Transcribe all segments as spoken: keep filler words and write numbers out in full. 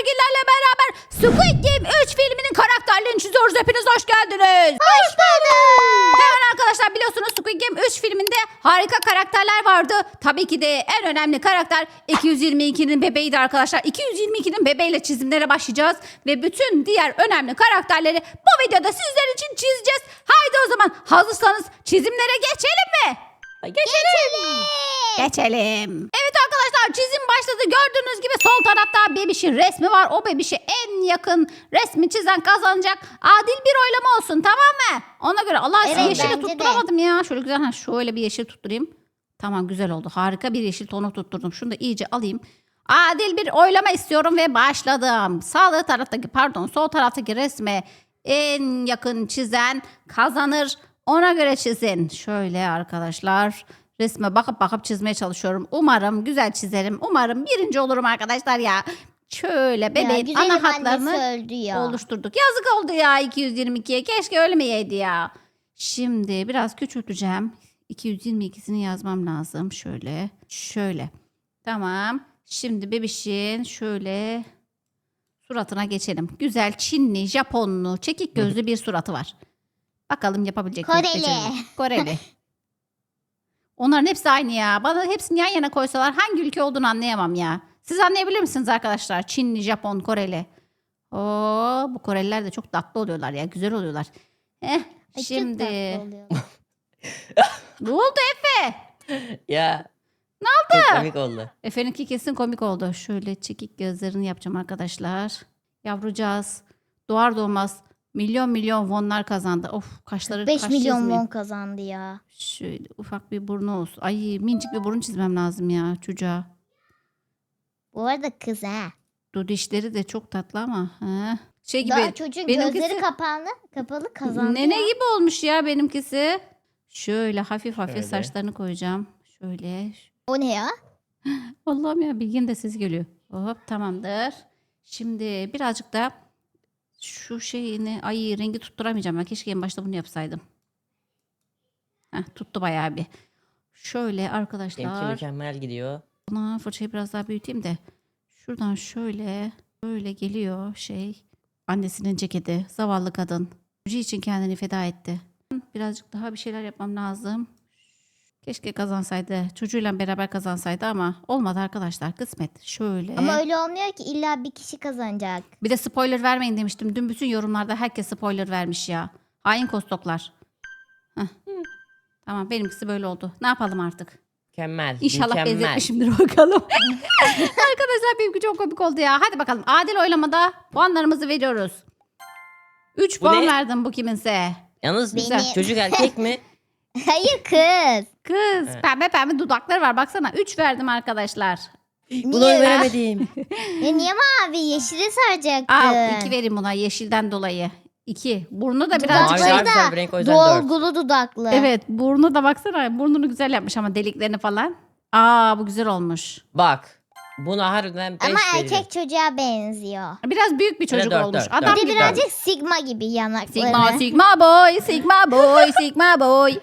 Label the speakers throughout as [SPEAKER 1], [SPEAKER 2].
[SPEAKER 1] bilgilerle beraber Squid Game üç filminin karakterlerini çiziyoruz. Hepiniz hoş geldiniz.
[SPEAKER 2] Hoş bulduk.
[SPEAKER 1] Hemen arkadaşlar biliyorsunuz Squid Game üç filminde harika karakterler vardı. Tabii ki de en önemli karakter iki yüz yirmi ikinin bebeğiydi arkadaşlar. iki yüz yirmi ikinin bebeğiyle çizimlere başlayacağız. Ve bütün diğer önemli karakterleri bu videoda sizler için çizeceğiz. Haydi o zaman hazırsanız çizimlere geçelim mi?
[SPEAKER 2] Geçelim.
[SPEAKER 1] Geçelim. Evet arkadaşlar çizim başladı. Gördüğünüz gibi sol tarafta bebişin resmi var. O bebişe en yakın resmi çizen kazanacak. Adil bir oylama olsun, tamam mı? Ona göre. Allah
[SPEAKER 2] Evet,
[SPEAKER 1] size yeşili
[SPEAKER 2] bence de.
[SPEAKER 1] tutturamadım ya. Şöyle güzel ha, şöyle bir yeşil tutturayım. Tamam, güzel oldu. Harika bir yeşil tonu tutturdum. Şunu da iyice alayım. Adil bir oylama istiyorum ve başladım. Sağ taraftaki pardon sol taraftaki resme en yakın çizen kazanır. Ona göre çizin. Şöyle arkadaşlar. Resme bakıp bakıp çizmeye çalışıyorum. Umarım güzel çizerim. Umarım birinci olurum arkadaşlar ya. Şöyle bebeğin
[SPEAKER 2] Ya, güzelim
[SPEAKER 1] ana hatlarını
[SPEAKER 2] annesi öldü ya.
[SPEAKER 1] oluşturduk. Yazık oldu ya iki yüz yirmi ikiye. Keşke ölmeyeydi ya. Şimdi biraz küçülteceğim. iki yüz yirmi ikisini yazmam lazım. Şöyle. Şöyle. Tamam. Şimdi bebişin şöyle suratına geçelim. Güzel Çinli, Japonlu, çekik gözlü bir suratı var. Bakalım yapabilecek miyiz?
[SPEAKER 2] Koreli.
[SPEAKER 1] Becerebilecek. Koreli. Onların hepsi aynı ya. Bana hepsini yan yana koysalar hangi ülke olduğunu anlayamam ya. Siz anlayabilir misiniz arkadaşlar? Çinli, Japon, Koreli. Oo, bu Koreliler de çok tatlı oluyorlar ya. Güzel oluyorlar. Heh,
[SPEAKER 2] Ay, çok
[SPEAKER 1] şimdi.
[SPEAKER 2] tatlı oluyor.
[SPEAKER 1] Ne oldu Efe?
[SPEAKER 3] Ya.
[SPEAKER 1] Ne oldu?
[SPEAKER 3] Çok komik oldu.
[SPEAKER 1] Efe'ninki kesin komik oldu. Şöyle çekik gözlerini yapacağım arkadaşlar. Yavrucağız. Doğar doğmaz milyon milyon wonlar kazandı. Of, kaşları
[SPEAKER 2] beş
[SPEAKER 1] kaş
[SPEAKER 2] milyon
[SPEAKER 1] çizmeyeyim.
[SPEAKER 2] won kazandı ya.
[SPEAKER 1] Şöyle ufak bir burnu olsun. Ay, minicik bir burun çizmem lazım ya çocuğa.
[SPEAKER 2] Bu arada kız ha.
[SPEAKER 1] Dur, dişleri de çok tatlı ama. He. Şey gibi.
[SPEAKER 2] Daha çocuğun
[SPEAKER 1] benimkisi-
[SPEAKER 2] gözleri kapalı, kapalı kazandı
[SPEAKER 1] Nene
[SPEAKER 2] ya.
[SPEAKER 1] gibi olmuş ya benimkisi. Şöyle hafif hafif
[SPEAKER 3] Şöyle.
[SPEAKER 1] saçlarını koyacağım. Şöyle.
[SPEAKER 2] O ne ya?
[SPEAKER 1] Allah'ım ya, Bilgin de ses geliyor. Hop, tamamdır. Şimdi birazcık da şu şeyini, ay rengi tutturamayacağım. Ben keşke en başta bunu yapsaydım. Heh, tuttu bayağı bir. Şöyle
[SPEAKER 3] Benimki
[SPEAKER 1] arkadaşlar.
[SPEAKER 3] mükemmel gidiyor.
[SPEAKER 1] Buna fırçayı biraz daha büyüteyim de. Şuradan şöyle böyle geliyor şey. Annesinin ceketi. Zavallı kadın. Çocuğu için kendini feda etti. Birazcık daha bir şeyler yapmam lazım. Keşke kazansaydı. Çocuğuyla beraber kazansaydı ama olmadı arkadaşlar. Kısmet. Şöyle.
[SPEAKER 2] Ama öyle olmuyor ki, illa bir kişi kazanacak.
[SPEAKER 1] Bir de spoiler vermeyin demiştim. Dün bütün yorumlarda herkes spoiler vermiş ya. Hain kostoklar. Heh. Tamam, benimkisi böyle oldu. Ne yapalım artık?
[SPEAKER 3] Mükemmel.
[SPEAKER 1] İnşallah
[SPEAKER 3] mükemmel.
[SPEAKER 1] benzetmişimdir bakalım. Arkadaşlar benimki çok komik oldu ya. Hadi bakalım, adil oylamada puanlarımızı veriyoruz. üç
[SPEAKER 3] Bu
[SPEAKER 1] puan
[SPEAKER 3] ne?
[SPEAKER 1] verdim bu kiminse.
[SPEAKER 3] Yalnız
[SPEAKER 2] Benim.
[SPEAKER 3] güzel. Çocuk erkek mi?
[SPEAKER 2] Hayır kız.
[SPEAKER 1] Kız
[SPEAKER 3] Evet.
[SPEAKER 1] pembe pembe dudakları var, baksana. üç verdim arkadaşlar.
[SPEAKER 3] Bunu oy veremedim.
[SPEAKER 2] Ya niye mavi? Yeşili saracaktın.
[SPEAKER 1] Al iki vereyim buna yeşilden dolayı. iki. Burnu da
[SPEAKER 3] Mavi
[SPEAKER 1] birazcık
[SPEAKER 3] daha
[SPEAKER 1] şey.
[SPEAKER 2] Dudakları
[SPEAKER 3] güzel
[SPEAKER 2] da
[SPEAKER 3] bir renk, o yüzden dört.
[SPEAKER 2] dolgulu dudaklı.
[SPEAKER 1] Evet, burnu da baksana. Burnunu güzel yapmış ama deliklerini falan. Aa, bu güzel olmuş.
[SPEAKER 3] Bak. Buna harbiden beş
[SPEAKER 2] Ama
[SPEAKER 3] veririm.
[SPEAKER 2] erkek çocuğa benziyor.
[SPEAKER 1] Biraz büyük bir
[SPEAKER 3] Şöyle
[SPEAKER 1] çocuk
[SPEAKER 3] dört,
[SPEAKER 1] olmuş.
[SPEAKER 3] dört,
[SPEAKER 1] Adam
[SPEAKER 2] Bir de
[SPEAKER 1] gibi.
[SPEAKER 2] birazcık sigma gibi yanakları.
[SPEAKER 1] Sigma, sigma boy, sigma boy, sigma boy.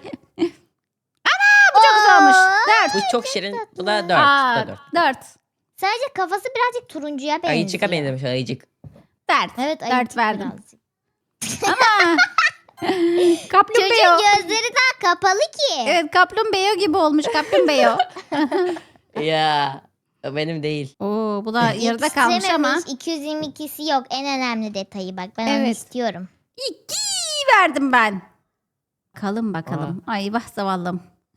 [SPEAKER 2] Bu
[SPEAKER 1] Çok güzel olmuş. Dört.
[SPEAKER 3] Bu çok şirin. Bu da dört. Bu
[SPEAKER 1] Aa,
[SPEAKER 3] da dört.
[SPEAKER 1] dört.
[SPEAKER 2] Sadece kafası birazcık turuncuya benziyor.
[SPEAKER 3] Ayıcık'a benzemiş ayıcık.
[SPEAKER 1] Dört.
[SPEAKER 2] Evet,
[SPEAKER 1] Dört
[SPEAKER 2] ayıcık
[SPEAKER 1] verdim.
[SPEAKER 2] birazcık.
[SPEAKER 1] Ama kaplumbağa.
[SPEAKER 2] Çocuğun gözleri daha kapalı ki.
[SPEAKER 1] Evet, kaplumbağa gibi olmuş kaplumbağa.
[SPEAKER 3] Ya. O benim değil.
[SPEAKER 1] Oo, bu da yarıda kalmış ama.
[SPEAKER 2] Yetiştirememiş, iki yüz yirmi ikisi yok. En önemli detayı bak. Ben onu
[SPEAKER 1] Evet.
[SPEAKER 2] istiyorum.
[SPEAKER 1] İki verdim ben. Bakalım bakalım. Ay vah zavallım.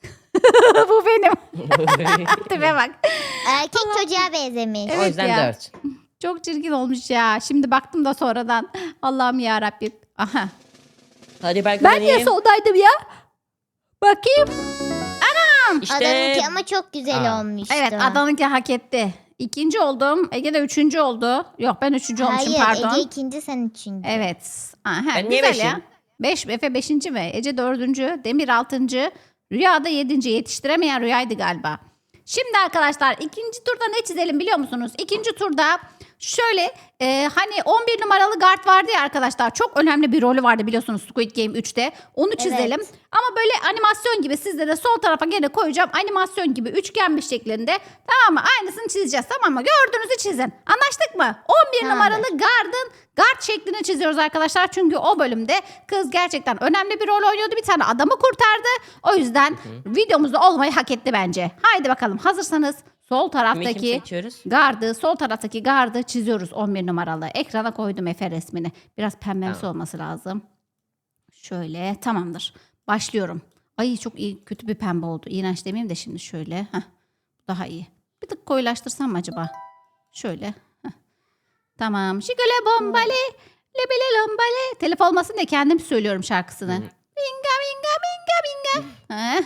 [SPEAKER 1] Bu benim. Tipe bak.
[SPEAKER 2] Erkek çocuğa benzemiş.
[SPEAKER 1] Evet
[SPEAKER 3] o yüzden
[SPEAKER 1] ya.
[SPEAKER 3] dört.
[SPEAKER 1] Çok çirkin olmuş ya. Şimdi baktım da sonradan. Allah'ım ya Rabbim. Aha.
[SPEAKER 3] Hadi ben
[SPEAKER 1] Ben
[SPEAKER 3] kazanayım.
[SPEAKER 1] niye soldaydım ya? Bakayım.
[SPEAKER 3] İşte
[SPEAKER 2] Adamınki ama çok güzel
[SPEAKER 3] Aa.
[SPEAKER 2] olmuştu.
[SPEAKER 1] Evet, Adan'ınki hak etti. İkinci oldum. Ege de üçüncü oldu. Yok, ben üçüncü olmuşum,
[SPEAKER 2] Hayır,
[SPEAKER 1] pardon.
[SPEAKER 2] Ege ikinci, sen üçüncü.
[SPEAKER 1] Evet. Aha,
[SPEAKER 3] Ben niye
[SPEAKER 1] güzel ya.
[SPEAKER 3] beşim?
[SPEAKER 1] Beş, Efe beşinci mi? Ece dördüncü. Demir altıncı. Rüya da yedinci. Yetiştiremeyen Rüya'ydı galiba. Şimdi arkadaşlar ikinci turda ne çizelim biliyor musunuz? İkinci turda Şöyle e, hani on bir numaralı guard vardı ya arkadaşlar. Çok önemli bir rolü vardı biliyorsunuz Squid Game üçte. Onu çizelim.
[SPEAKER 2] Evet.
[SPEAKER 1] Ama böyle animasyon gibi sizde de sol tarafa gene koyacağım. Animasyon gibi üçgen bir şeklinde. Tamam mı? Aynısını çizeceğiz tamam mı? Gördüğünüzü çizin. Anlaştık mı? on bir
[SPEAKER 2] Tamamdır.
[SPEAKER 1] numaralı guard'ın guard şeklini çiziyoruz arkadaşlar. Çünkü o bölümde kız gerçekten önemli bir rol oynuyordu. Bir tane adamı kurtardı. O yüzden videomuzda olmayı hak etti bence. Haydi bakalım hazırsanız sol
[SPEAKER 3] Kimi kim
[SPEAKER 1] taraftaki
[SPEAKER 3] seçiyoruz?
[SPEAKER 1] gardı, sol taraftaki gardı çiziyoruz on bir numaralı. Ekrana koydum Efe resmini. Biraz pembemsi
[SPEAKER 3] Tamam.
[SPEAKER 1] olması lazım. Şöyle tamamdır. Başlıyorum. Ay çok iyi kötü bir pembe oldu. İğrenç demeyeyim de şimdi şöyle. Heh, daha iyi. Bir tık koyulaştırsam mı acaba? Şöyle. Heh. Tamam. Şigale bombale. Lebele lombale. Telif olmasın diye kendim söylüyorum şarkısını.
[SPEAKER 3] Hı.
[SPEAKER 1] Binga binga binga binga. Heh.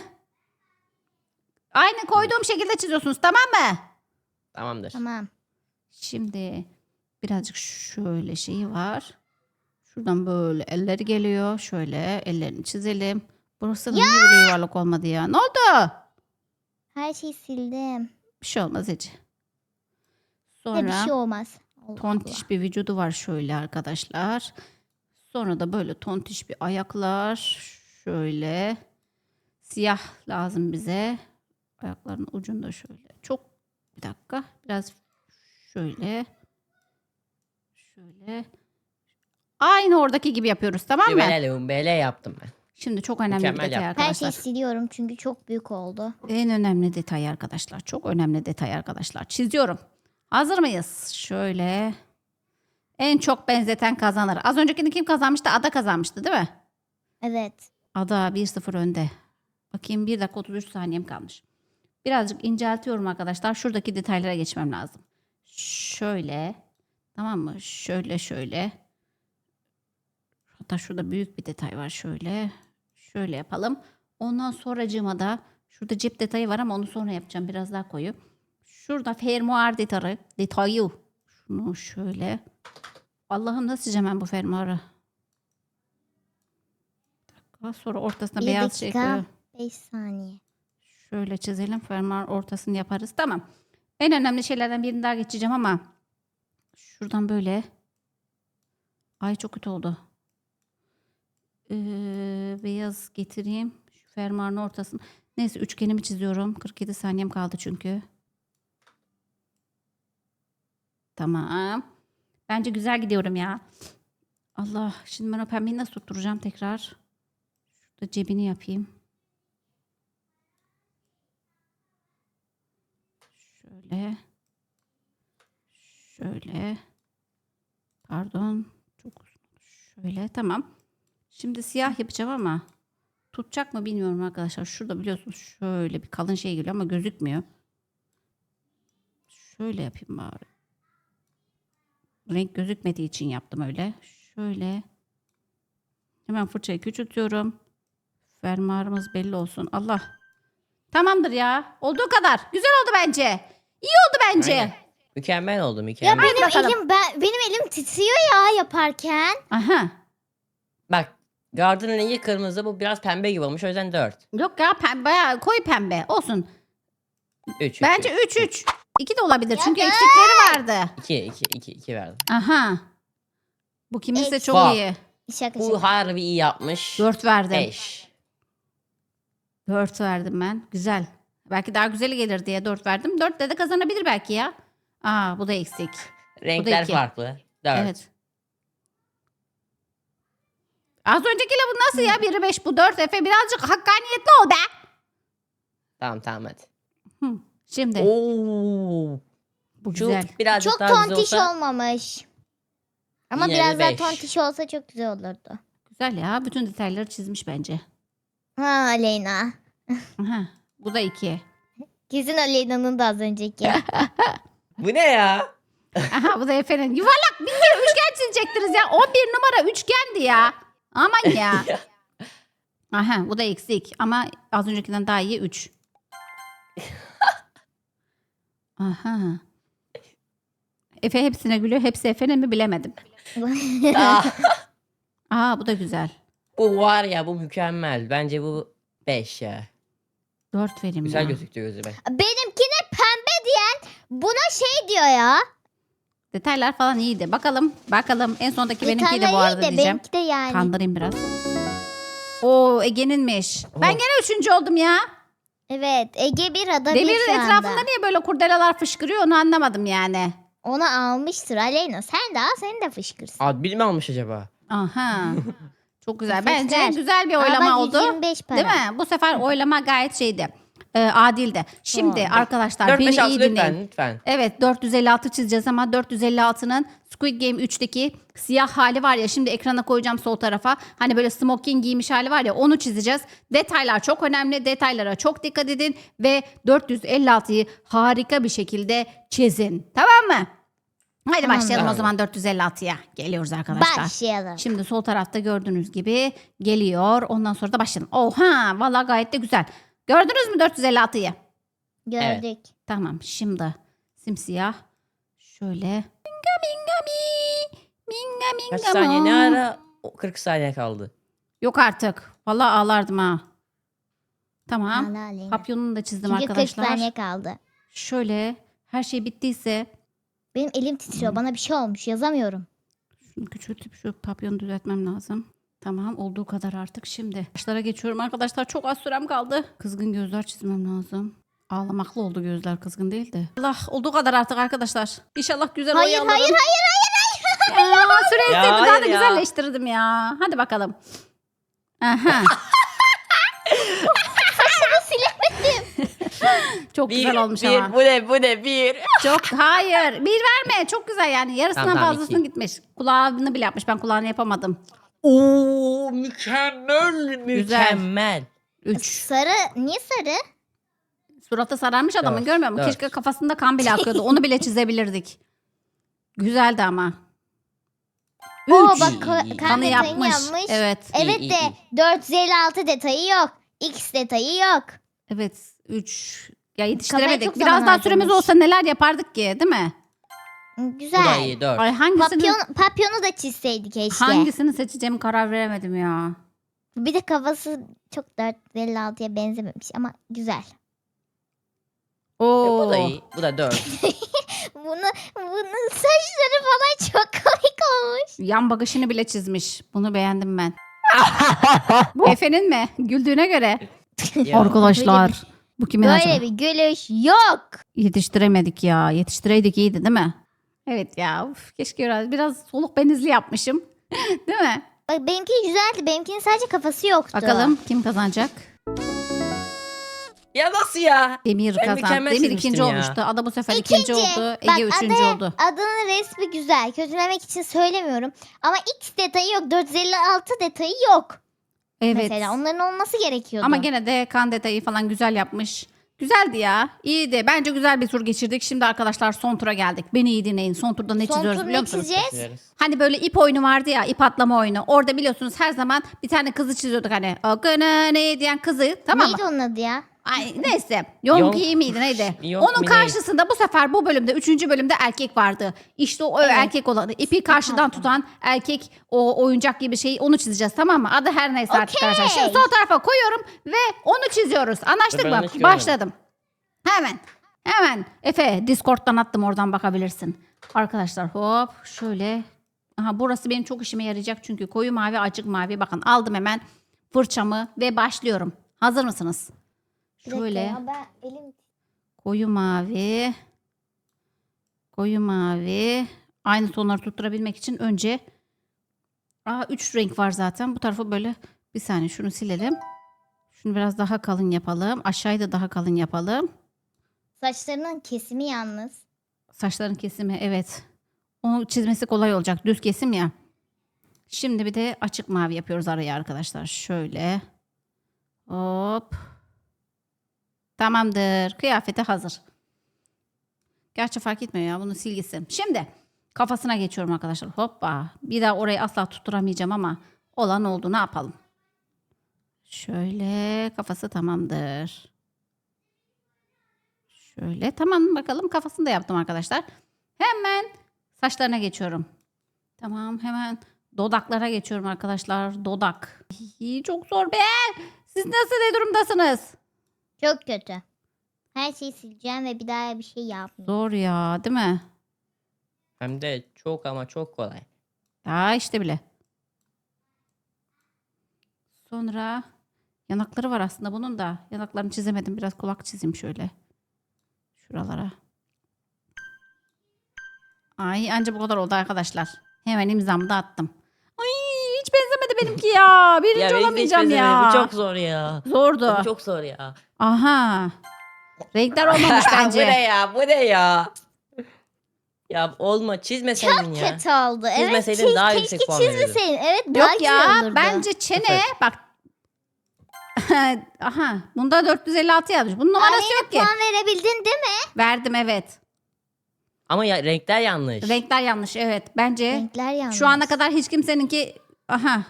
[SPEAKER 1] Aynı koyduğum şekilde çiziyorsunuz tamam mı?
[SPEAKER 3] Tamamdır.
[SPEAKER 2] Tamam.
[SPEAKER 1] Şimdi birazcık şöyle şeyi var. Şuradan böyle elleri geliyor. Şöyle ellerini çizelim. Burası da niye böyle yuvarlak olmadı ya? Ne oldu?
[SPEAKER 2] Her şeyi sildim.
[SPEAKER 1] Bir şey olmaz Ece.
[SPEAKER 2] Ya bir
[SPEAKER 1] Sonra
[SPEAKER 2] şey olmaz. Allah Allah.
[SPEAKER 1] tontiş bir vücudu var şöyle arkadaşlar. Sonra da böyle tontiş bir ayaklar. Şöyle. Siyah lazım bize. Ayakların ucunda şöyle. Çok bir dakika. Biraz şöyle. Şöyle. Aynı oradaki gibi yapıyoruz tamam mı?
[SPEAKER 3] Bele lumbele yaptım ben.
[SPEAKER 1] Şimdi çok önemli
[SPEAKER 3] Mükemmel
[SPEAKER 1] bir detay
[SPEAKER 3] yaptın.
[SPEAKER 2] Her
[SPEAKER 1] arkadaşlar.
[SPEAKER 2] şeyi siliyorum çünkü çok büyük oldu.
[SPEAKER 1] En önemli detay arkadaşlar. Çok önemli detay arkadaşlar. Çiziyorum. Hazır mıyız? Şöyle. En çok benzeten kazanır. Az öncekini kim kazanmıştı? Ada kazanmıştı değil mi?
[SPEAKER 2] Evet.
[SPEAKER 1] Ada bir sıfır önde. Bakayım bir dakika otuz üç saniyem kalmış. Birazcık inceltiyorum arkadaşlar. Şuradaki detaylara geçmem lazım. Şöyle. Tamam mı? Şöyle şöyle. Hatta şurada büyük bir detay var. Şöyle. Şöyle yapalım. Ondan sonracığıma da şurada cep detayı var ama onu sonra yapacağım. Biraz daha koyu. Şurada fermuar detayı. Detayı. Şunu şöyle. Allah'ım nasıl çizeceğim ben bu fermuarı? Bir dakika. Sonra ortasına
[SPEAKER 2] Bir
[SPEAKER 1] beyaz şey
[SPEAKER 2] dakika.
[SPEAKER 1] koyuyorum.
[SPEAKER 2] beş saniye.
[SPEAKER 1] Şöyle çizelim. Fermuar ortasını yaparız. Tamam. En önemli şeylerden birini daha geçeceğim ama şuradan böyle. Ay çok kötü oldu. Ee, beyaz getireyim. Şu fermuarın ortasını. Neyse üçgenimi çiziyorum. kırk yedi saniyem kaldı çünkü. Tamam. Bence güzel gidiyorum ya. Allah. Şimdi ben o pembeyi nasıl tutturacağım tekrar? Şurada cebini yapayım. Şöyle. Şöyle. Pardon. Çok şöyle. Tamam. Şimdi siyah yapacağım ama tutacak mı bilmiyorum arkadaşlar. Şurada biliyorsunuz şöyle bir kalın şey geliyor ama gözükmüyor. Şöyle yapayım bari. Renk gözükmediği için yaptım öyle. Şöyle. Hemen fırçayı küçültüyorum. Fermuarımız belli olsun. Allah. Tamamdır ya. Olduğu kadar. Güzel oldu bence. İyi oldu bence.
[SPEAKER 3] Aynen. Mükemmel oldu
[SPEAKER 2] Ya
[SPEAKER 3] mükemmel.
[SPEAKER 2] benim
[SPEAKER 1] bakalım.
[SPEAKER 2] elim ben, benim elim titriyor ya yaparken.
[SPEAKER 1] Aha.
[SPEAKER 3] Bak Garden'ın rengi kırmızı, bu biraz pembe gibi olmuş, o yüzden dört.
[SPEAKER 1] Yok ya pembe, bayağı koyu pembe. Olsun.
[SPEAKER 3] üç.
[SPEAKER 1] Bence üç üç. iki de olabilir
[SPEAKER 2] Ya
[SPEAKER 1] çünkü
[SPEAKER 2] da-
[SPEAKER 1] eksikleri vardı.
[SPEAKER 3] iki iki iki iki verdim.
[SPEAKER 1] Aha. Bu kiminse
[SPEAKER 2] Eks-
[SPEAKER 1] çok
[SPEAKER 3] Bak.
[SPEAKER 1] iyi.
[SPEAKER 2] Şaka
[SPEAKER 3] Bu
[SPEAKER 2] şaka.
[SPEAKER 3] harbi iyi yapmış.
[SPEAKER 1] dört verdim.
[SPEAKER 3] beş.
[SPEAKER 1] dört verdim ben. Güzel. Belki daha güzeli gelir diye dört verdim. dört de de kazanabilir belki ya. Aa bu da eksik.
[SPEAKER 3] Renkler
[SPEAKER 1] iki.
[SPEAKER 3] farklı. dört.
[SPEAKER 1] Evet. Az öncekiyle bu nasıl ya? biri beş bu dört. Efe birazcık hakkaniyetli ol be.
[SPEAKER 3] Tamam tamam hadi.
[SPEAKER 1] Hı. Şimdi
[SPEAKER 3] Oo.
[SPEAKER 1] bu
[SPEAKER 3] Şu
[SPEAKER 1] güzel.
[SPEAKER 3] birazcık
[SPEAKER 2] Çok
[SPEAKER 3] daha güzel
[SPEAKER 2] tontiş
[SPEAKER 3] olsa.
[SPEAKER 2] olmamış. Ama
[SPEAKER 3] Yine
[SPEAKER 2] biraz
[SPEAKER 3] de
[SPEAKER 2] daha
[SPEAKER 3] beş.
[SPEAKER 2] tontiş olsa çok güzel olurdu.
[SPEAKER 1] Güzel ya. Bütün detayları çizmiş bence.
[SPEAKER 2] Ha Aleyna.
[SPEAKER 1] Aha. Bu da iki.
[SPEAKER 2] Kesin Aleyna'nın da az önceki.
[SPEAKER 3] Bu ne ya?
[SPEAKER 1] Aha bu da Efe'nin. Yuvarlak bir kere üçgen çizecektiniz ya. on bir numara üçgendi ya. Aman ya. Aha bu da eksik. Ama az öncekinden daha iyi üç. Aha. Efe hepsine gülüyor. Hepsi Efe'nin mi bilemedim.
[SPEAKER 3] Aa,
[SPEAKER 1] Aa bu da güzel.
[SPEAKER 3] bu var ya, bu mükemmel. Bence bu beş ya.
[SPEAKER 1] dört vereyim
[SPEAKER 3] Güzel
[SPEAKER 1] ya.
[SPEAKER 3] gözüktü gözüme.
[SPEAKER 2] Benimkine pembe diyen buna şey diyor ya.
[SPEAKER 1] Detaylar falan iyiydi. Bakalım bakalım en sondaki benimkiydi bu
[SPEAKER 2] Detaylar
[SPEAKER 1] arada
[SPEAKER 2] iyi de
[SPEAKER 1] diyeceğim.
[SPEAKER 2] benimki de yani.
[SPEAKER 1] Kandırayım biraz. Oo Ege'ninmiş. Ben
[SPEAKER 3] Oh.
[SPEAKER 1] gene üçüncü oldum ya.
[SPEAKER 2] Evet Ege bir ada bir
[SPEAKER 1] Demirin
[SPEAKER 2] şu anda.
[SPEAKER 1] etrafında niye böyle kurdelalar fışkırıyor onu anlamadım yani.
[SPEAKER 2] Onu almıştır Aleyna. Sen de al seni de fışkırsın.
[SPEAKER 3] Adbil mi almış acaba?
[SPEAKER 1] Aha. Çok güzel.
[SPEAKER 2] Sesler.
[SPEAKER 1] Bence güzel bir
[SPEAKER 2] Aa,
[SPEAKER 1] oylama
[SPEAKER 2] bak,
[SPEAKER 1] oldu.
[SPEAKER 2] yüz yirmi beş para.
[SPEAKER 1] Değil mi? Bu sefer oylama gayet şeydi. E, adildi. Şimdi
[SPEAKER 2] Tamam.
[SPEAKER 1] arkadaşlar
[SPEAKER 3] dört
[SPEAKER 1] beni
[SPEAKER 3] beş altı
[SPEAKER 1] iyi dinleyin.
[SPEAKER 3] lütfen lütfen.
[SPEAKER 1] Evet dört yüz elli altı çizeceğiz ama dört yüz elli altının Squid Game üçteki siyah hali var ya şimdi ekrana koyacağım sol tarafa. Hani böyle smoking giymiş hali var ya onu çizeceğiz. Detaylar çok önemli. Detaylara çok dikkat edin ve dört yüz elli altıyı harika bir şekilde çizin. Tamam mı? Haydi
[SPEAKER 2] Tamam.
[SPEAKER 1] başlayalım o
[SPEAKER 3] Tamam.
[SPEAKER 1] zaman dört yüz elli altıya. Geliyoruz arkadaşlar.
[SPEAKER 2] Başlayalım.
[SPEAKER 1] Şimdi sol tarafta gördüğünüz gibi geliyor. Ondan sonra da başlayalım. Oha vallahi gayet de güzel. Gördünüz mü dört yüz elli altıyı?
[SPEAKER 2] Gördük.
[SPEAKER 1] Tamam şimdi simsiyah. Şöyle. Minga minga mi. Minga minga
[SPEAKER 3] Kaç saniye ne
[SPEAKER 1] mo.
[SPEAKER 3] ara? O, kırk saniye kaldı.
[SPEAKER 1] Yok artık. Vallahi ağlardım ha. Tamam.
[SPEAKER 2] Allah Aleyna.
[SPEAKER 1] Papyonunu da çizdim
[SPEAKER 2] Çünkü kırk
[SPEAKER 1] arkadaşlar.
[SPEAKER 2] saniye kaldı.
[SPEAKER 1] Şöyle her şey bittiyse
[SPEAKER 2] Benim elim titriyor. Bana bir şey olmuş. Yazamıyorum.
[SPEAKER 1] şunu küçültüp şu papyonu düzeltmem lazım. Tamam olduğu kadar artık şimdi. Başlara geçiyorum arkadaşlar. Çok az sürem kaldı. Kızgın gözler çizmem lazım. Ağlamaklı oldu gözler kızgın değil de. Allah olduğu kadar artık arkadaşlar. İnşallah güzel
[SPEAKER 2] Hayır,
[SPEAKER 1] oy alırım.
[SPEAKER 2] hayır, hayır,
[SPEAKER 1] Ya, süreyi
[SPEAKER 3] Ya,
[SPEAKER 1] sevdim, daha da
[SPEAKER 3] hayır ya.
[SPEAKER 1] güzelleştirdim ya. Hadi bakalım. Aha. Çok güzel olmuş
[SPEAKER 3] bir,
[SPEAKER 1] ama.
[SPEAKER 3] bu ne bu ne bir.
[SPEAKER 1] Çok hayır. Bir verme. Çok güzel yani. Yarısından
[SPEAKER 3] Tamam, tamam,
[SPEAKER 1] fazlasını
[SPEAKER 3] iki.
[SPEAKER 1] gitmiş. Kulağını bile yapmış. Ben kulağını yapamadım.
[SPEAKER 3] Oo mükemmel mükemmel.
[SPEAKER 1] Üç.
[SPEAKER 2] Sarı. Niye sarı?
[SPEAKER 1] Suratı sararmış adamın
[SPEAKER 3] Dört,
[SPEAKER 1] görmüyor musun?
[SPEAKER 3] dört.
[SPEAKER 1] Keşke kafasında kan bile akıyordu. Onu bile çizebilirdik. Güzeldi ama.
[SPEAKER 2] Oo
[SPEAKER 1] Üç.
[SPEAKER 2] bak ka-
[SPEAKER 3] İyi.
[SPEAKER 2] kan
[SPEAKER 1] Kanı
[SPEAKER 2] detayını
[SPEAKER 1] yapmış.
[SPEAKER 2] yapmış.
[SPEAKER 1] Evet.
[SPEAKER 2] Evet
[SPEAKER 3] İyi,
[SPEAKER 2] de
[SPEAKER 3] iyi,
[SPEAKER 2] dört yüz elli altı detayı yok. X detayı yok.
[SPEAKER 1] Evet. Üç. Ya yetiştiremedik.
[SPEAKER 2] çok
[SPEAKER 1] Biraz
[SPEAKER 2] zaman
[SPEAKER 1] daha süremiz
[SPEAKER 2] harcamış.
[SPEAKER 1] olsa neler yapardık ki değil mi?
[SPEAKER 3] Bu da
[SPEAKER 2] Güzel.
[SPEAKER 3] iyi dört.
[SPEAKER 1] Ay hangisini,
[SPEAKER 2] Papyon, papyonu da çizseydik keşke.
[SPEAKER 1] hangisini seçeceğimi karar veremedim ya.
[SPEAKER 2] Bir de kafası çok dört yüz elli altıya benzememiş ama güzel.
[SPEAKER 3] E,
[SPEAKER 1] Oo.
[SPEAKER 3] bu da iyi. Bu da dört.
[SPEAKER 2] Bunu, bunun saçları falan çok komik olmuş.
[SPEAKER 1] Yan bakışını bile çizmiş. Bunu beğendim ben. Bu Efe'nin mi? Güldüğüne göre.
[SPEAKER 3] Ya.
[SPEAKER 1] Arkadaşlar. Bu kimin
[SPEAKER 2] Böyle
[SPEAKER 1] acaba?
[SPEAKER 2] bir gülüş yok.
[SPEAKER 1] Yetiştiremedik ya. Yetiştireydik iyiydi değil mi? Evet ya. Uf, keşke biraz, biraz soluk benizli yapmışım. Değil mi?
[SPEAKER 2] Bak benimki güzeldi. Benimkinin sadece kafası yoktu.
[SPEAKER 1] Bakalım kim kazanacak?
[SPEAKER 3] Ya nasıl ya?
[SPEAKER 1] Demir
[SPEAKER 3] Ben
[SPEAKER 1] kazandı.
[SPEAKER 3] mükemmel
[SPEAKER 1] Demir
[SPEAKER 3] çizmiştim
[SPEAKER 1] ikinci
[SPEAKER 3] ya.
[SPEAKER 1] olmuştu. Ada bu sefer ikinci,
[SPEAKER 2] İkinci.
[SPEAKER 1] oldu. Ege
[SPEAKER 2] Bak
[SPEAKER 1] üçüncü
[SPEAKER 2] adı-
[SPEAKER 1] oldu.
[SPEAKER 2] Adının resmi güzel. Kötülemek için söylemiyorum. Ama X detayı yok. dört yüz elli altı detayı yok.
[SPEAKER 1] Evet.
[SPEAKER 2] Mesela onların olması gerekiyordu.
[SPEAKER 1] Ama gene de kan detayı falan güzel yapmış. Güzeldi ya. İyiydi. Bence güzel bir tur geçirdik. Şimdi arkadaşlar son tura geldik. Beni iyi dinleyin. Son turda ne
[SPEAKER 2] Son
[SPEAKER 1] çiziyoruz
[SPEAKER 2] tur
[SPEAKER 1] biliyor
[SPEAKER 2] ne
[SPEAKER 1] musunuz?
[SPEAKER 2] çizeceğiz?
[SPEAKER 3] Çizeriz.
[SPEAKER 1] Hani böyle ip oyunu vardı ya, ip atlama oyunu. Orada biliyorsunuz her zaman bir tane kızı çiziyorduk hani. O gına ne diyen kızı, tamam mı?
[SPEAKER 2] Neydi onun adı ya?
[SPEAKER 1] Ay neyse. Yonk
[SPEAKER 3] Yonk-
[SPEAKER 1] iyi miydi neydi?
[SPEAKER 3] Yonk
[SPEAKER 1] Onun
[SPEAKER 3] mi ne?
[SPEAKER 1] karşısında bu sefer bu bölümde üçüncü bölümde erkek vardı. İşte o
[SPEAKER 2] Evet.
[SPEAKER 1] erkek olanı. İpi karşıdan tutan erkek o oyuncak gibi şeyi onu çizeceğiz tamam mı? Adı her neyse artık
[SPEAKER 2] Okey.
[SPEAKER 1] arkadaşlar. Şimdi sol tarafa koyuyorum ve onu çiziyoruz. Anlaştık
[SPEAKER 3] Dur, ben
[SPEAKER 1] mı?
[SPEAKER 3] hiç görmedim.
[SPEAKER 1] Başladım. Hemen. Hemen. Efe Discord'dan attım oradan bakabilirsin. Arkadaşlar hop şöyle. Aha burası benim çok işime yarayacak çünkü koyu mavi açık mavi. Bakın aldım hemen fırçamı ve başlıyorum. Hazır mısınız?
[SPEAKER 2] Bir dakika
[SPEAKER 1] Şöyle
[SPEAKER 2] ya, ben elim...
[SPEAKER 1] koyu mavi. Koyu mavi. Aynı tonları tutturabilmek için önce Aa, üç renk var zaten. Bu tarafı böyle bir saniye şunu silelim. Şunu biraz daha kalın yapalım. Aşağıyı da daha kalın yapalım.
[SPEAKER 2] Saçlarının kesimi yalnız.
[SPEAKER 1] Saçların kesimi evet. Onu çizmesi kolay olacak. Düz kesim ya. Şimdi bir de açık mavi yapıyoruz araya arkadaşlar. Şöyle. Hop. Tamamdır. Kıyafeti hazır. Gerçi fark etmiyor ya. Bunu sil gitsin. Şimdi kafasına geçiyorum arkadaşlar. Hoppa. Bir daha orayı asla tutturamayacağım ama olan oldu. Ne yapalım? Şöyle kafası tamamdır. Şöyle tamam bakalım kafasını da yaptım arkadaşlar. Hemen saçlarına geçiyorum. Tamam hemen dodaklara geçiyorum arkadaşlar. Dodak. İyi, çok zor be. Siz nasıl ne durumdasınız?
[SPEAKER 2] Çok kötü. Her şeyi sileceğim ve bir daha bir şey yapmayacağım.
[SPEAKER 1] Zor ya değil mi?
[SPEAKER 3] Hem de çok ama çok kolay.
[SPEAKER 1] Daha işte bile. Sonra yanakları var aslında bunun da. Yanaklarını çizemedim. Biraz kulak çizeyim şöyle. Şuralara. Ay anca bu kadar oldu arkadaşlar. Hemen imzamı da attım. Ay hiç benzemedi benimki ya. Birinci
[SPEAKER 3] Ya benim de hiç
[SPEAKER 1] olamayacağım
[SPEAKER 3] benzemedi.
[SPEAKER 1] ya.
[SPEAKER 3] Bu çok zor ya.
[SPEAKER 1] Zordu.
[SPEAKER 3] Bu çok zor ya.
[SPEAKER 1] Aha. Renkler olmamış
[SPEAKER 3] bu
[SPEAKER 1] bence.
[SPEAKER 3] ne ya? Bu ne ya? Ya olma çizmeseydin ya.
[SPEAKER 2] Kötü oldu. Evet.
[SPEAKER 3] Çizmeseydin
[SPEAKER 2] çiz-
[SPEAKER 3] daha
[SPEAKER 2] keşke
[SPEAKER 3] yüksek puan verirdin.
[SPEAKER 2] çizmeseydin. Evet daha
[SPEAKER 1] Yok
[SPEAKER 2] güzel
[SPEAKER 1] ya
[SPEAKER 2] olurdu.
[SPEAKER 1] bence çene
[SPEAKER 3] Sıfır.
[SPEAKER 1] bak. Aha bunda dört yüz elli altı yazmış. Bunun numarası
[SPEAKER 2] Aleyna
[SPEAKER 1] yok ki.
[SPEAKER 2] puan verebildin değil mi?
[SPEAKER 1] Verdim evet.
[SPEAKER 3] Ama ya, renkler yanlış.
[SPEAKER 1] Renkler yanlış evet. Bence
[SPEAKER 2] Renkler yanlış.
[SPEAKER 1] şu ana kadar hiç kimseninki aha.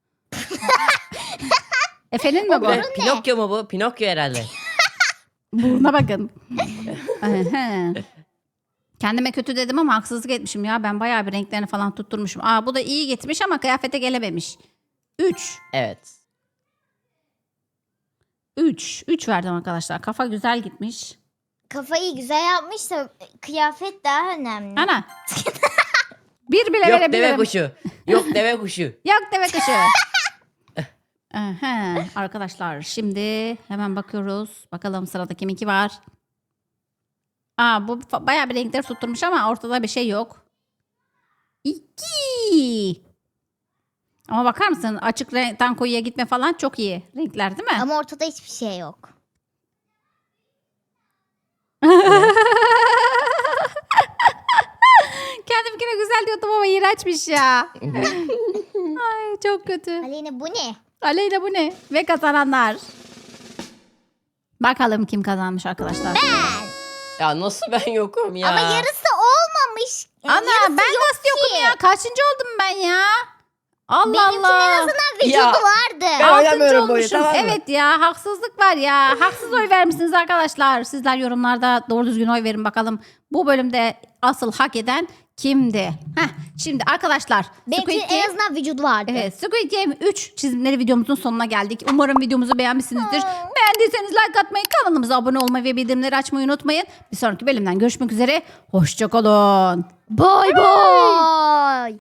[SPEAKER 1] Efe'nin mi bu?
[SPEAKER 3] Ne, Pinokyo mu bu? Pinokyo herhalde.
[SPEAKER 1] Buruna bakın. Aha. Kendime kötü dedim ama haksızlık etmişim ya. Ben bayağı bir renklerini falan tutturmuşum. Aa bu da iyi gitmiş ama kıyafete gelememiş. üç.
[SPEAKER 3] Evet.
[SPEAKER 1] üç. üç verdim arkadaşlar. Kafa güzel gitmiş.
[SPEAKER 2] Kafayı güzel yapmışsa kıyafet daha önemli.
[SPEAKER 1] Ana. Bir bile
[SPEAKER 3] Yok deve
[SPEAKER 1] verebilirim.
[SPEAKER 3] kuşu. Yok deve kuşu.
[SPEAKER 1] Yok deve kuşu. Aha, arkadaşlar şimdi hemen bakıyoruz. Bakalım sırada kiminki var. Aa bu fa- bayağı bir renkleri tutturmuş ama ortada bir şey yok. İki. Ama bakar mısın açık renkten koyuya gitme falan çok iyi renkler değil mi?
[SPEAKER 2] Ama ortada hiçbir şey yok.
[SPEAKER 1] Kendimkine güzel diyordum ama iğrençmiş ya. Ay çok kötü.
[SPEAKER 2] Aleyna bu ne?
[SPEAKER 1] Aleyna bu ne? Ve kazananlar. Bakalım kim kazanmış arkadaşlar.
[SPEAKER 3] Ya nasıl ben yokum ya?
[SPEAKER 2] Ama yarısı olmamış. Yani
[SPEAKER 1] Ana
[SPEAKER 2] yarısı
[SPEAKER 1] ben
[SPEAKER 2] yok
[SPEAKER 1] nasıl yokum
[SPEAKER 2] ki.
[SPEAKER 1] ya? Kaçıncı oldum ben ya? Allah
[SPEAKER 2] Benimkinin en
[SPEAKER 1] Allah.
[SPEAKER 2] azından vücudu
[SPEAKER 3] Ya.
[SPEAKER 2] vardı.
[SPEAKER 3] Ben
[SPEAKER 1] Altıncı
[SPEAKER 3] oynamıyorum bu oyunu,
[SPEAKER 1] olmuşum.
[SPEAKER 3] tamam mı?
[SPEAKER 1] Evet ya haksızlık var ya. Haksız oy vermişsiniz arkadaşlar. Sizler yorumlarda doğru düzgün oy verin bakalım. Bu bölümde asıl hak eden kimdi? Heh, şimdi arkadaşlar.
[SPEAKER 2] Benimkinin
[SPEAKER 1] Squid Game-
[SPEAKER 2] en azından vücudu vardı.
[SPEAKER 1] Evet, Squid Game üç çizimleri videomuzun sonuna geldik. Umarım videomuzu beğenmişsinizdir. Beğendiyseniz like atmayı, kanalımıza abone olmayı ve bildirimleri açmayı unutmayın. Bir sonraki bölümden görüşmek üzere. Hoşçakalın.
[SPEAKER 2] Bay bay.